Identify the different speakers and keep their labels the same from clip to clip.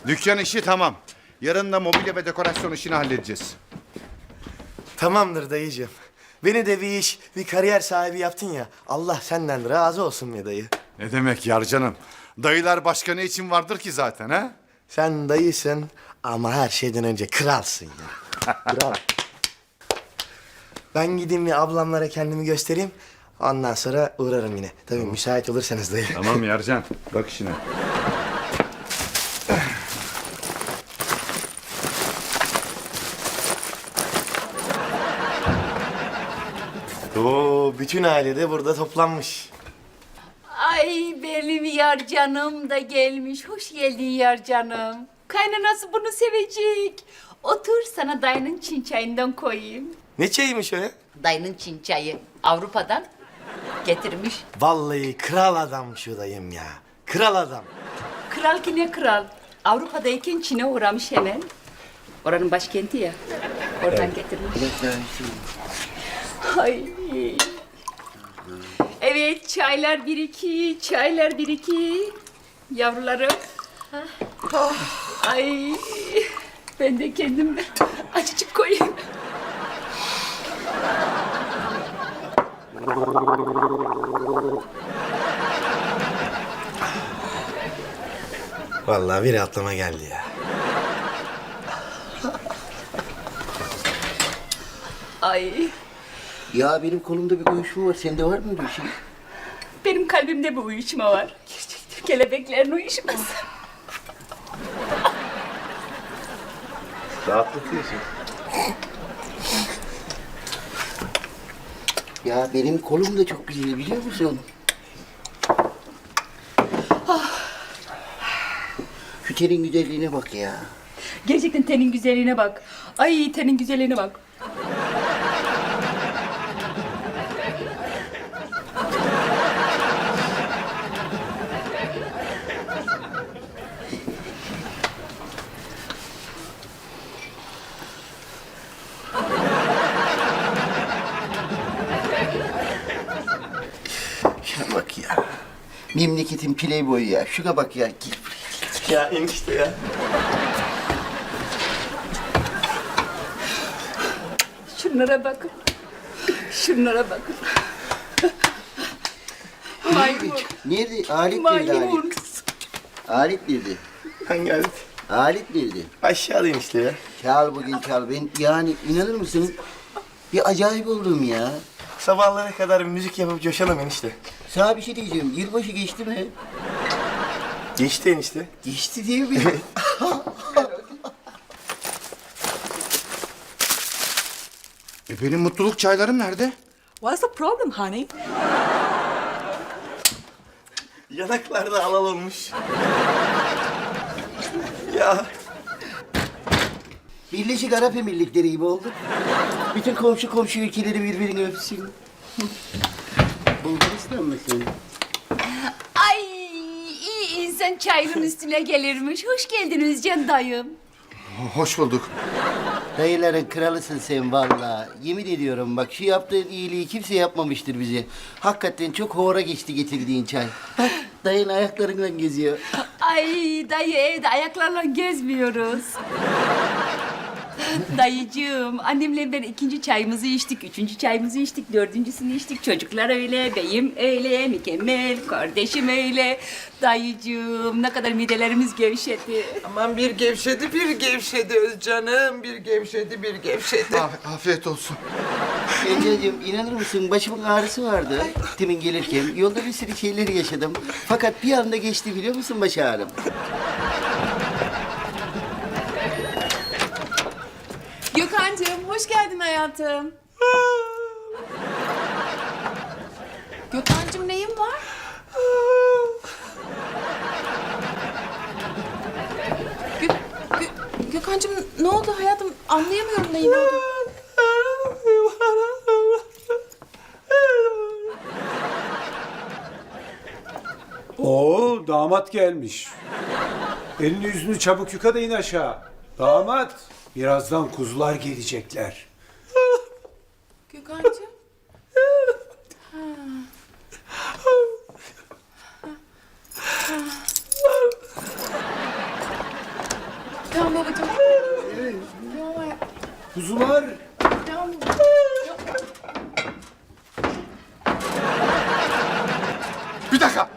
Speaker 1: Dükkan işi tamam. Yarın da mobilya ve dekorasyon işini halledeceğiz.
Speaker 2: Tamamdır dayıcığım. Beni de bir iş, bir kariyer sahibi yaptın ya. Allah senden razı olsun be dayı.
Speaker 1: Ne demek Yarcanım? Dayılar başka ne için vardır ki zaten ha?
Speaker 2: Sen dayısın ama her şeyden önce kralsın ya. Kral. Ben gideyim bir ablamlara kendimi göstereyim. Ondan sonra uğrarım yine. Tabii müsait olursanız dayı.
Speaker 1: Tamam Yarcan. Bak işine.
Speaker 2: Oo, bütün aile de burada toplanmış.
Speaker 3: Ay benim yar canım da gelmiş. Hoş geldin yar canım. Kaynanası bunu sevecek. Otur sana dayının çin çayından koyayım.
Speaker 2: Ne çayıymış o ya?
Speaker 3: Dayının çin çayı Avrupa'dan getirmiş.
Speaker 2: Vallahi kral adam şu dayım ya. Kral adam.
Speaker 3: Kral ki ne kral? Avrupa'dayken Çin'e uğramış hemen. Oranın başkenti ya. Oradan getirmiş. Ay. Evet, çaylar bir iki, çaylar bir iki. Yavrularım. Ay. Ben de kendim açıcık koyayım.
Speaker 2: Vallahi bir atlama geldi ya.
Speaker 3: Ay.
Speaker 4: Ya benim kolumda bir uyuşma var. Sende var mı öyle bir şey?
Speaker 3: Benim kalbimde bir uyuşma var. Gerçekten kelebeklerin uyuşması.
Speaker 2: Rahatlatıyorsun.
Speaker 4: Ya benim kolum da çok güzel biliyor musun? Şu tenin güzelliğine bak ya.
Speaker 3: Gerçekten tenin güzelliğine bak. Ay tenin güzelliğine bak.
Speaker 4: Şuna bak ya. Memleketin playboyu ya. Şuna bak ya. Gel buraya.
Speaker 2: Ya enişte ya.
Speaker 3: Şunlara bakın. Şunlara bakın. Maymun.
Speaker 4: Nerede? Alet nerede alet?
Speaker 3: Maymun.
Speaker 4: Alet nerede?
Speaker 2: Hangi alet?
Speaker 4: Alet nerede?
Speaker 2: Aşağıdayım işte ya.
Speaker 4: Çal bugün çal. Ben yani inanır mısın? Bir acayip oldum ya.
Speaker 2: Sabahlara kadar müzik yapıp coşalım enişte.
Speaker 4: Sana bir şey diyeceğim. Yılbaşı geçti mi?
Speaker 2: Geçti enişte.
Speaker 4: Geçti değil mi?
Speaker 1: Benim mutluluk çaylarım nerede?
Speaker 5: What's the problem, honey?
Speaker 2: Yanaklarda alal olmuş. Ya
Speaker 4: Birleşik Arap Emirlikleri gibi oldu. Bütün komşu ülkeleri birbirini öpsün. Bulgaristan mısın?
Speaker 3: Ay iyi insan çayının üstüne gelirmiş. Hoş geldin Özcan dayım.
Speaker 1: Hoş bulduk.
Speaker 4: Dayıların kralısın sen vallahi. Yemin ediyorum bak şu yaptığın iyiliği kimse yapmamıştır bize. Hakikaten çok hora geçti getirdiğin çay. Bak dayın ayaklarından geziyor.
Speaker 3: Ay dayı evde ayaklarla gezmiyoruz. Dayıcığım, annemle ben ikinci çayımızı içtik, üçüncü çayımızı içtik, dördüncüsünü içtik. Çocuklar öyle, beyim öyle, mükemmel, kardeşim öyle. Dayıcığım, ne kadar midelerimiz gevşedi.
Speaker 5: Aman bir gevşedi Özcanım. Bir gevşedi.
Speaker 1: Afiyet olsun.
Speaker 4: Enceciğim inanır mısın başımın ağrısı vardı. Timin gelirken yolda bir sürü şeyler yaşadım. Fakat bir anda geçti biliyor musun baş ağrım?
Speaker 6: Gökhan'cığım hoş geldin hayatım. Gökhan'cığım neyin var? Gökhan'cığım ne oldu hayatım? Anlayamıyorum neyin oldu.
Speaker 7: Oo, damat gelmiş. Elini yüzünü çabuk yıka da in aşağı. Damat, birazdan kuzular gelecekler.
Speaker 6: Gökhan'cığım. Tamam babacığım.
Speaker 7: Kuzular.
Speaker 6: Tamam.
Speaker 1: Bir dakika.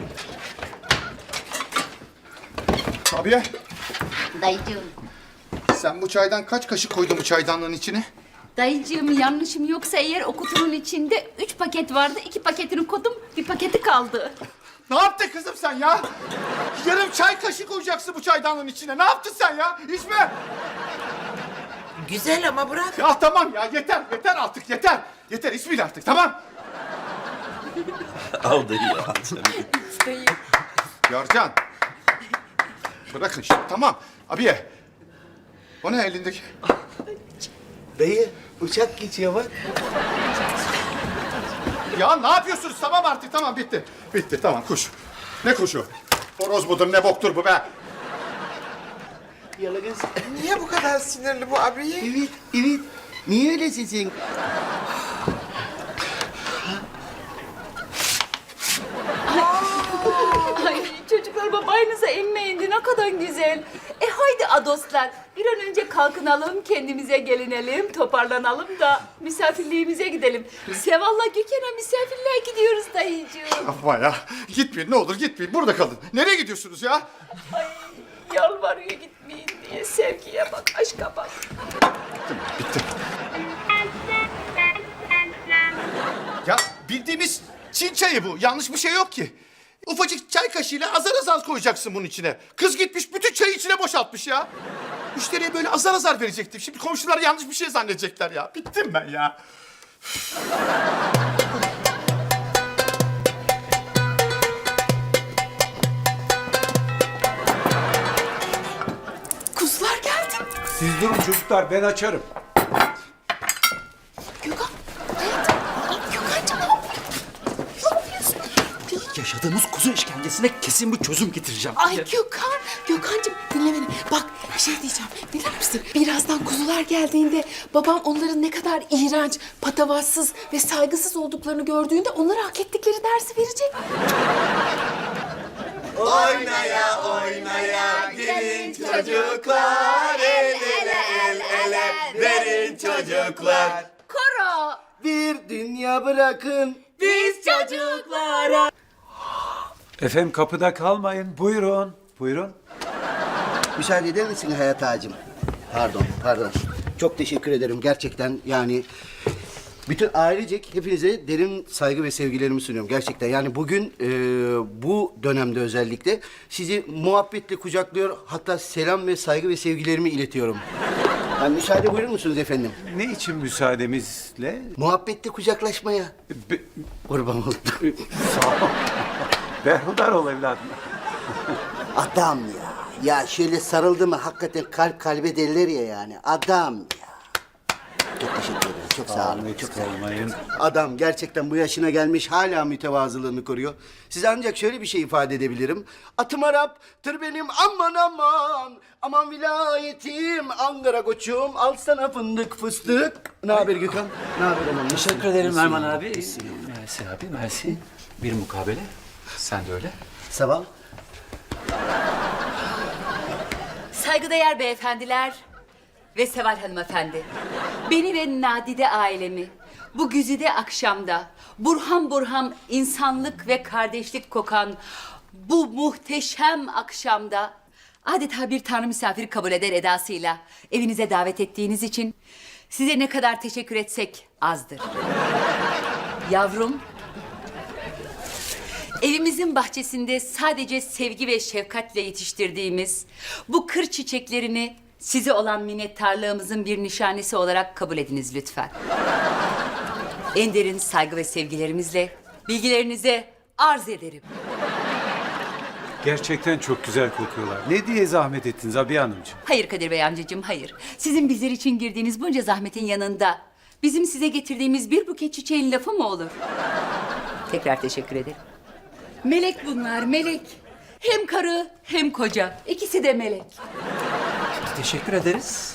Speaker 1: Abiye,
Speaker 3: Dayıcığım.
Speaker 1: sen bu çaydan kaç kaşık koydun bu çaydanlığın içine?
Speaker 3: Dayıcığım yanlışım yoksa eğer o kutunun içinde 3 paket vardı. 2 paketini koydum, bir paketi kaldı.
Speaker 1: Ne yaptın kızım sen ya? Yarım çay kaşığı koyacaksın bu çaydanlığın içine. Ne yaptın sen ya? İçme.
Speaker 5: Güzel ama bırak.
Speaker 1: Ya tamam ya, yeter artık, yeter. Yeter, içmeyin artık, tamam.
Speaker 8: Al dayı ya.
Speaker 1: Yarcan. Bırakın şimdi, tamam. Abiye. O ne elindeki?
Speaker 2: Dayı uçak geçiyor bak.
Speaker 1: Ya ne yapıyorsunuz? Tamam artık, tamam, bitti. Bitti, tamam, kuş. Ne kuşu? Horoz mudur, ne boktur bu be?
Speaker 2: Yalagız.
Speaker 5: Niye bu kadar sinirli bu abiye?
Speaker 4: Evet, evet. Niye öylesin sen?
Speaker 3: Ay çocuklar babanıza emme indi ne kadar güzel. Haydi adoslar bir an önce kalkınalım kendimize gelinelim toparlanalım da misafirliğimize gidelim. Seval'la Gökhan'a misafirliğe gidiyoruz dayıcığım.
Speaker 1: Yapma ya. Gitmeyin, ne olur gitmeyin. Burada kalın. Nereye gidiyorsunuz ya?
Speaker 3: Ay yalvarıyor gitmeyin diye sevgiye bak aşka bak.
Speaker 1: Bitti. Ya bildiğimiz Çin çayı bu. Yanlış bir şey yok ki. Ufacık çay kaşığıyla azar azar koyacaksın bunun içine. Kız gitmiş bütün çayı içine boşaltmış ya. Müşteriye böyle azar azar verecektim. Şimdi komşular yanlış bir şey zannedecekler ya. Bittim ben ya.
Speaker 6: Kuzular geldi.
Speaker 7: Siz durun çocuklar, ben açarım.
Speaker 6: Gökhan. Hayatım. Gökhan'cığım ne yapıyorsun? Ne yapıyorsun?
Speaker 8: Yaşadığımız kuzu işkencesine kesin bir çözüm getireceğim.
Speaker 6: Ay Gökhan. Gökhan'cığım dinle beni. Bak bir şey diyeceğim. Dinler misin? Birazdan kuzular geldiğinde babam onların ne kadar iğrenç, patavatsız ve saygısız olduklarını gördüğünde onlara hak ettikleri dersi verecek.
Speaker 2: Oynaya oynaya gelin çocuklar. El ele el ele verin çocuklar.
Speaker 3: Koro
Speaker 4: Bir dünya bırakın.
Speaker 3: biz çocuklara.
Speaker 7: Efendim kapıda kalmayın. Buyurun. Buyurun.
Speaker 4: Müsaade eder misin Hayat Ağacığım? Pardon. Çok teşekkür ederim gerçekten yani. Bütün ailecek hepinize derin saygı ve sevgilerimi sunuyorum gerçekten. Yani bugün bu dönemde özellikle sizi muhabbetle kucaklıyor. Hatta selam ve saygı ve sevgilerimi iletiyorum. Yani müsaade buyurur musunuz efendim?
Speaker 7: Ne için müsaademizle?
Speaker 4: Muhabbetle kucaklaşmaya.
Speaker 7: Be-
Speaker 4: Kurban oldum.
Speaker 7: Sağ ol. Berhudar ol evladım.
Speaker 4: Adam ya. Ya şöyle sarıldı mı hakikaten kalp kalbe derler ya yani. Adam ya. Çok teşekkür ederim. Çok sağ olun. Çok sağ olun.
Speaker 7: Olmayın.
Speaker 4: Adam gerçekten bu yaşına gelmiş hala mütevazılığını koruyor. Size ancak şöyle bir şey ifade edebilirim. Atım Arap, tır benim aman aman. Aman vilayetim, Ankara koçum. Al sana fındık fıstık. Ne haber Gökhan? Ne haber hanım?
Speaker 8: Teşekkür ederim Erman abi. Mersi abi, mersi. Bir mukabele. Sen de öyle.
Speaker 4: Seval.
Speaker 3: Saygıdeğer beyefendiler ve Seval hanımefendi. Beni ve Nadide ailemi bu güzide akşamda burham burham insanlık ve kardeşlik kokan bu muhteşem akşamda adeta bir tanrı misafiri kabul eder edasıyla evinize davet ettiğiniz için size ne kadar teşekkür etsek azdır. Yavrum, evimizin bahçesinde sadece sevgi ve şefkatle yetiştirdiğimiz bu kır çiçeklerini size olan minnettarlığımızın bir nişanesi olarak kabul ediniz lütfen. En derin saygı ve sevgilerimizle bilgilerinize arz ederim.
Speaker 7: Gerçekten çok güzel kokuyorlar. Ne diye zahmet ettiniz Abiye Hanımcığım?
Speaker 3: Hayır Kadir Bey amcacığım, hayır. Sizin bizler için girdiğiniz bunca zahmetin yanında bizim size getirdiğimiz bir buket çiçeğin lafı mı olur? Tekrar teşekkür ederim. Melek bunlar, melek. Hem karı hem koca. İkisi de melek.
Speaker 8: Teşekkür ederiz.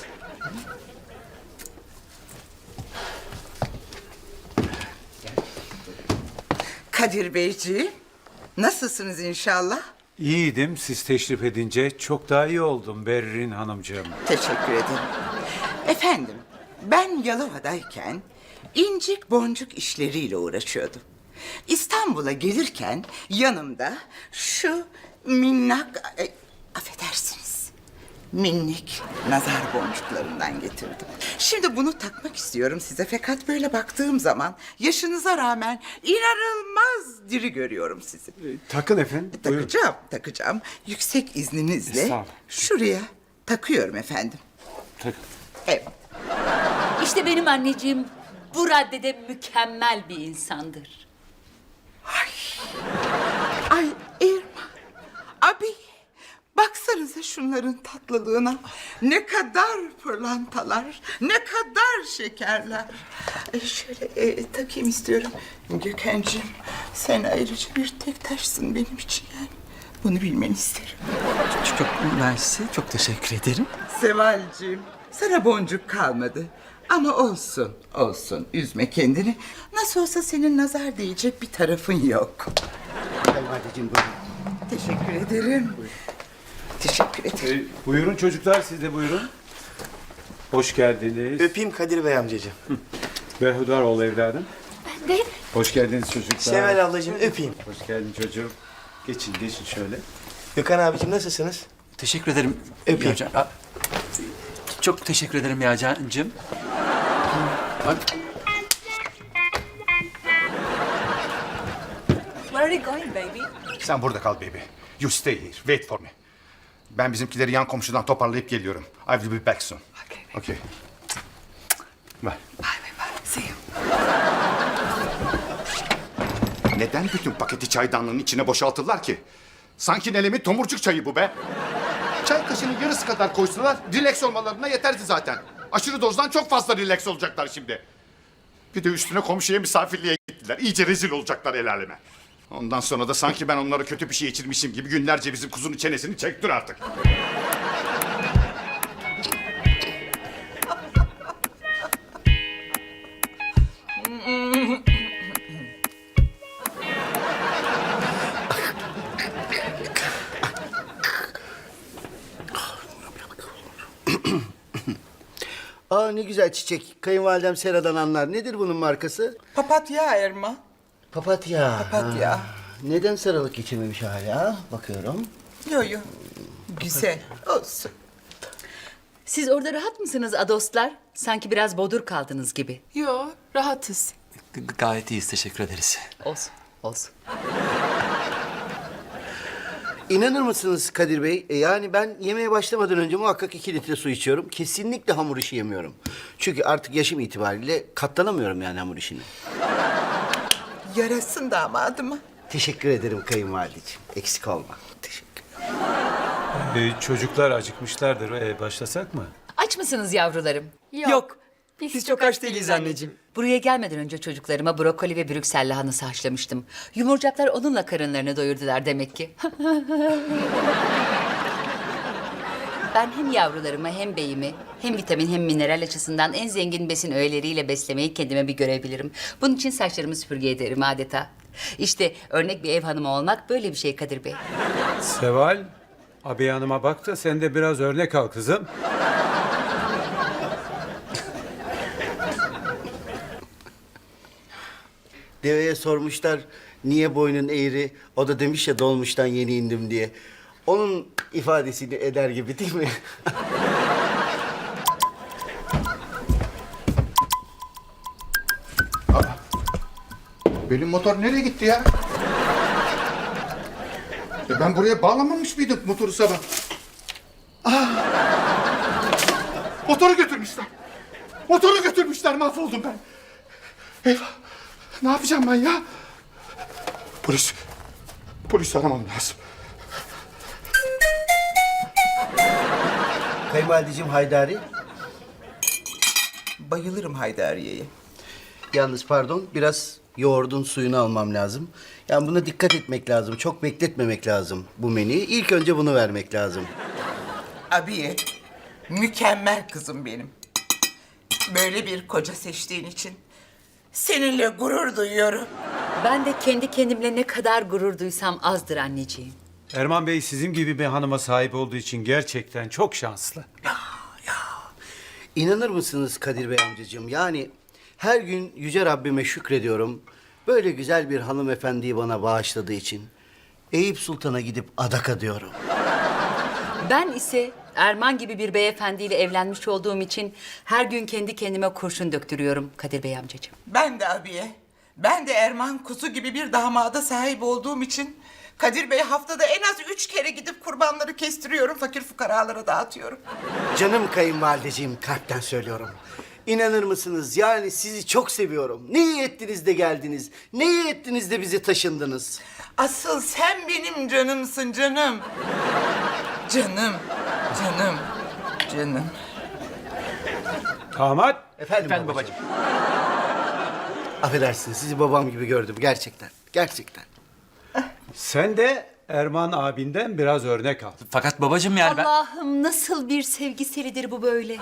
Speaker 5: Kadir Beyciğim, nasılsınız inşallah?
Speaker 7: İyiydim. Siz teşrif edince çok daha iyi oldum Berrin Hanımcığım.
Speaker 5: Teşekkür ederim. Efendim, ben Yalova'dayken incik boncuk işleriyle uğraşıyordum. İstanbul'a gelirken yanımda şu minnak, affedersiniz, minnik nazar boncuklarından getirdim. Şimdi bunu takmak istiyorum size fakat böyle baktığım zaman yaşınıza rağmen inanılmaz diri görüyorum sizi.
Speaker 7: Takın efendim. Buyurun.
Speaker 5: Takacağım. Yüksek izninizle
Speaker 7: Estağfurullah.
Speaker 5: şuraya takıyorum efendim.
Speaker 7: Takın.
Speaker 5: Evet.
Speaker 3: İşte benim anneciğim bu raddede mükemmel bir insandır.
Speaker 5: Ay Erman, abi baksanıza şunların tatlılığına. Ne kadar pırlantalar, ne kadar şekerler. Şöyle takayım istiyorum. Gökhan'cığım sen ayrıca bir tek taşsın benim için yani. Bunu bilmeni isterim.
Speaker 9: Çok mersi, çok teşekkür ederim.
Speaker 5: Seval'cığım sana boncuk kalmadı. Ama olsun, olsun. Üzme kendini. Nasıl olsa senin nazar değecek bir tarafın yok.
Speaker 4: Kayınvalideciğim buyurun.
Speaker 5: Teşekkür ederim. Teşekkür ederim.
Speaker 7: Buyurun çocuklar, siz de buyurun. Hoş geldiniz.
Speaker 2: Öpeyim Kadir Bey amcacığım.
Speaker 7: Behudar ol evladım.
Speaker 6: Ben de
Speaker 7: Hoş geldiniz çocuklar.
Speaker 2: Seval ablacığım öpeyim.
Speaker 7: Hoş geldin çocuğum. Geçin, geçin şöyle.
Speaker 2: Gökhan abicim nasılsınız?
Speaker 8: Teşekkür ederim.
Speaker 2: Öpeyim.
Speaker 8: Yağcan. Çok teşekkür ederim Yağcan'cığım.
Speaker 3: Where are you going baby?
Speaker 1: Sen burada kal baby. You stay here. Wait for me. Ben bizimkileri yan komşudan toparlayıp geliyorum. I will be back soon. Okay. Bye.
Speaker 5: See you.
Speaker 1: Neden bütün paketi çaydanlığın içine boşaltırlar ki? Sanki Nelem'in tomurcuk çayı bu be. Çay kaşığının yarısı kadar koysalar relax olmalarına yeterdi zaten. Aşırı dozdan çok fazla relax olacaklar şimdi. Bir de üstüne komşuya misafirliğe gittiler. İyice rezil olacaklar el aleme. Ondan sonra da sanki ben onlara kötü bir şey içirmişim gibi günlerce bizim kuzunun çenesini çektir artık.
Speaker 4: Aa ne güzel çiçek. Kayınvalidem Sera'dan anlar. Nedir bunun markası?
Speaker 5: Papatya Erman.
Speaker 4: Papatya.
Speaker 5: Papatya.
Speaker 4: Ha, neden sarılık geçirmemiş hala? Bakıyorum.
Speaker 5: Yo yo. Güzel. Olsun.
Speaker 3: Siz orada rahat mısınız adostlar? Sanki biraz bodur kaldınız gibi.
Speaker 6: yo rahatız.
Speaker 8: Gayet iyiyiz, teşekkür ederiz.
Speaker 3: Olsun, olsun.
Speaker 4: İnanır mısınız Kadir Bey? Yani ben yemeğe başlamadan önce muhakkak 2 litre su içiyorum. Kesinlikle hamur işi yemiyorum. Çünkü artık yaşım itibariyle katlanamıyorum yani hamur işine.
Speaker 5: Yarasın damadıma.
Speaker 4: Teşekkür ederim kayınvalideciğim. Eksik olma. Teşekkür.
Speaker 7: Çocuklar acıkmışlardır. Başlasak mı?
Speaker 3: Aç mısınız yavrularım?
Speaker 6: Yok.
Speaker 9: Biz çok aç değiliz anneciğim.
Speaker 3: Buraya gelmeden önce çocuklarıma brokoli ve Brüksel lahanası haşlamıştım. Yumurcaklar onunla karınlarını doyurdular demek ki. Ben hem yavrularımı hem beyimi hem vitamin hem mineral açısından en zengin besin öğeleriyle beslemeyi kendime bir görebilirim. Bunun için saçlarımı süpürge ederim adeta. İşte örnek bir ev hanımı olmak böyle bir şey Kadir Bey.
Speaker 7: Seval, abi hanıma bak da sen de biraz örnek al kızım.
Speaker 4: Deveye sormuşlar niye boynun eğri? O da demiş ya dolmuştan yeni indim diye. Onun ifadesini eder gibi değil mi?
Speaker 1: Benim motor nereye gitti ya? Ben buraya bağlamamış mıydım motoru sabah? Motoru götürmüşler. Motoru götürmüşler, mahvoldum ben. Eyvah. Ne yapacağım ben ya? Polis aramam lazım.
Speaker 4: Kayınvalideciğim Haydari.
Speaker 5: Bayılırım Haydariye'ye.
Speaker 4: Yalnız pardon biraz yoğurdun suyunu almam lazım. Yani buna dikkat etmek lazım. Çok bekletmemek lazım bu menüyü. İlk önce bunu vermek lazım.
Speaker 5: Abiye, mükemmel kızım benim. Böyle bir koca seçtiğin için seninle gurur duyuyorum.
Speaker 3: Ben de kendi kendimle ne kadar gurur duysam azdır anneciğim.
Speaker 7: Erman Bey sizin gibi bir hanıma sahip olduğu için gerçekten çok şanslı.
Speaker 4: İnanır mısınız Kadir Bey amcacığım? Yani her gün Yüce Rabbime şükrediyorum. Böyle güzel bir hanımefendiyi bana bağışladığı için. Eyüp Sultan'a gidip adak adıyorum.
Speaker 3: Ben ise Erman gibi bir beyefendiyle evlenmiş olduğum için her gün kendi kendime kurşun döktürüyorum Kadir Bey amcacığım.
Speaker 5: Ben de abiye, ben de Erman Kuzu gibi bir damada sahip olduğum için Kadir Bey haftada en az 3 kere gidip kurbanları kestiriyorum, fakir fukaralara dağıtıyorum.
Speaker 4: Canım kayınvalideciğim, kalpten söylüyorum. İnanır mısınız? Yani sizi çok seviyorum. Ne iyi ettiniz de geldiniz. Ne iyi ettiniz de bizi taşındınız.
Speaker 5: Asıl sen benim canımsın canım. Canım, canım, canım.
Speaker 7: Damat,
Speaker 4: Efendim babacığım. Affedersiniz, sizi babam gibi gördüm gerçekten. Gerçekten.
Speaker 7: sen de Erman abinden biraz örnek al.
Speaker 8: Fakat babacığım yani ben...
Speaker 3: Allah'ım nasıl bir sevgiselidir bu böyle.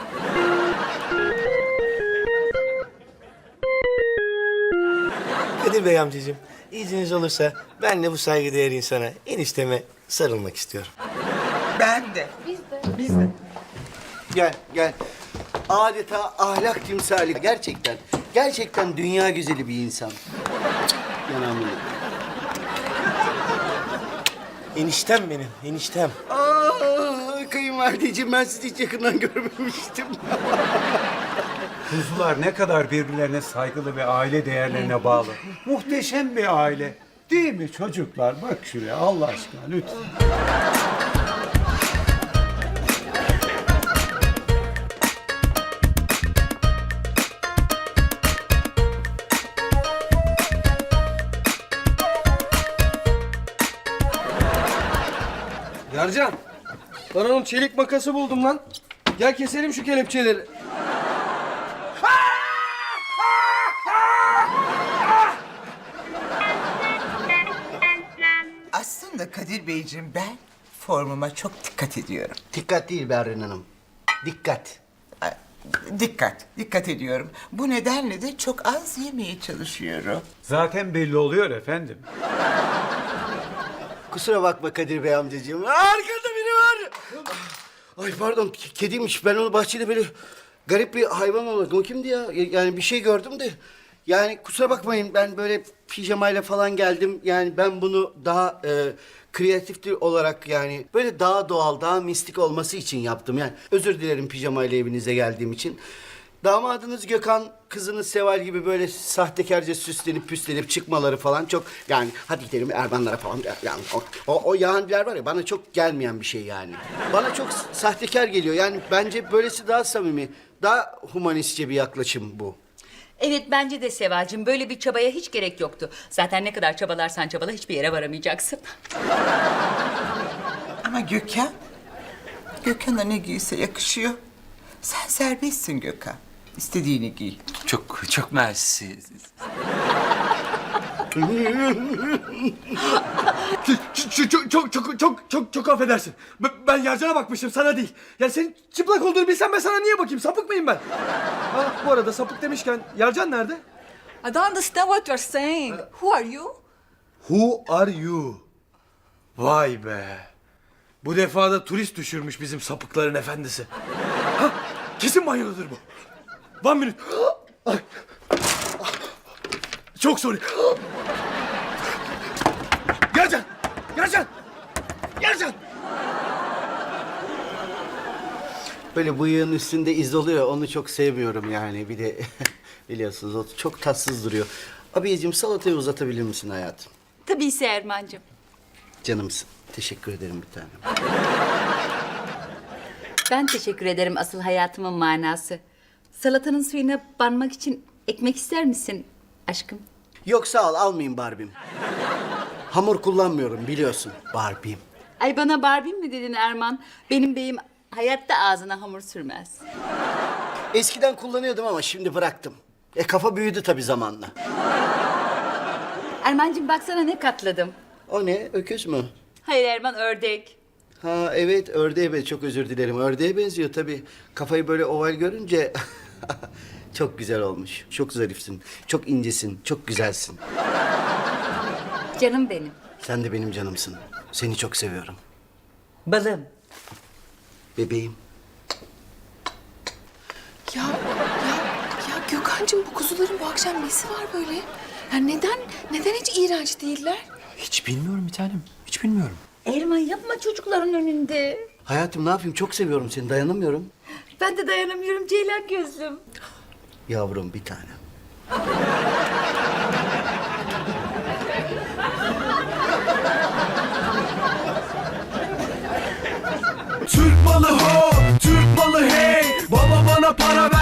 Speaker 2: Kadir Bey amcacığım, izniniz olursa ben de bu saygıdeğer insana, enişteme sarılmak istiyorum.
Speaker 5: Ben de. Biz de.
Speaker 4: Gel, gel. Adeta ahlak timsali. Gerçekten. Gerçekten dünya güzeli bir insan. Yanağımı yedim.
Speaker 2: Eniştem benim, eniştem.
Speaker 4: Kayınvalideciğim, ben sizi hiç yakından görmemiştim.
Speaker 7: Kuzular ne kadar birbirlerine saygılı ve aile değerlerine bağlı. Muhteşem bir aile. Değil mi çocuklar? Bak şuraya Allah aşkına lütfen.
Speaker 9: Yarcan, ben onun çelik makası buldum lan. Gel keselim şu kelepçeleri.
Speaker 5: Aslında Kadir Beyciğim, ben formuma çok dikkat ediyorum.
Speaker 4: Dikkat değil Berrin Hanım. Dikkat.
Speaker 5: Dikkat ediyorum. Bu nedenle de çok az yemeye çalışıyorum.
Speaker 7: Zaten belli oluyor efendim.
Speaker 4: Kusura bakma Kadir Bey amcacığım. Arkada biri var. Ay pardon, kediymiş. Ben onu bahçede böyle garip bir hayvan olarak. O kimdi ya? Yani bir şey gördüm de. Yani kusura bakmayın, ben böyle pijamayla falan geldim. Yani ben bunu daha kreatif olarak, yani böyle daha doğal, daha mistik olması için yaptım. Yani özür dilerim pijamayla evinize geldiğim için. Damadınız Gökhan, kızınız Seval gibi böyle sahtekarca süslenip püslenip çıkmaları falan çok, yani hadi gidelim Ermanlara falan, yani o yahanciler var ya, bana çok gelmeyen bir şey yani. Bana çok sahtekar geliyor. Yani bence böylesi daha samimi, daha humanistçe bir yaklaşım bu.
Speaker 3: Evet bence de Sevacığım, böyle bir çabaya hiç gerek yoktu. Zaten ne kadar çabalarsan çabala hiçbir yere varamayacaksın.
Speaker 5: Ama Gökhan'a ne giyse yakışıyor. Sen serbestsin Gökhan. İstediğini giy.
Speaker 8: Çok mersi.
Speaker 9: Çok affedersin. Ben Yarcan'a bakmışım, sana değil. Yani senin çıplak olduğunu bilsem ben sana niye bakayım? Sapık mıyım ben? Ha, bu arada sapık demişken Yarcan nerede?
Speaker 6: I don't understand what you're saying. Who are you?
Speaker 9: Who are you? Vay be. Bu defa da turist düşürmüş bizim sapıkların efendisi. Ha, kesin banyodadır bu. One minute. Ay. Çok sorry. Yarcan! Yarcan! Yarcan!
Speaker 4: Böyle bıyığın üstünde iz oluyor, onu çok sevmiyorum yani. Bir de biliyorsunuz o çok tatsız duruyor. Abiyeciğim, salatayı uzatabilir misin hayatım?
Speaker 3: Tabii ise Erman'cığım.
Speaker 4: Canımsın. Teşekkür ederim bir tanem.
Speaker 3: Ben teşekkür ederim asıl hayatımın manası. Salatanın suyuna banmak için ekmek ister misin aşkım?
Speaker 4: Yok sağ ol, almayayım Barbie'm. Hamur kullanmıyorum biliyorsun Barbie'm.
Speaker 3: Ay bana Barbie mi dedin Erman? Benim beyim hayatta ağzına hamur sürmez.
Speaker 4: Eskiden kullanıyordum ama şimdi bıraktım. Kafa büyüdü tabii zamanla.
Speaker 3: Erman'cığım baksana ne katladım.
Speaker 4: O ne, öküz mü?
Speaker 3: Hayır Erman, ördek.
Speaker 4: Ha evet, ördeğe çok özür dilerim. Ördeğe benziyor tabii. Kafayı böyle oval görünce çok güzel olmuş. Çok zarifsin, çok incesin, çok güzelsin.
Speaker 3: Canım benim.
Speaker 4: Sen de benim canımsın. Seni çok seviyorum.
Speaker 3: Balım.
Speaker 4: Bebeğim.
Speaker 6: Ya Gökhan'cığım bu kuzuların bu akşam nesi var böyle? Ya neden hiç iğrenç değiller?
Speaker 8: Hiç bilmiyorum bir tanem. Hiç bilmiyorum.
Speaker 3: Erman yapma çocukların önünde.
Speaker 4: Hayatım ne yapayım? Çok seviyorum seni. Dayanamıyorum.
Speaker 3: Ben de dayanamıyorum Ceylan gözlüm.
Speaker 4: Yavrum bir tanem.
Speaker 9: Türk malı ho, Türk malı hey. Baba bana para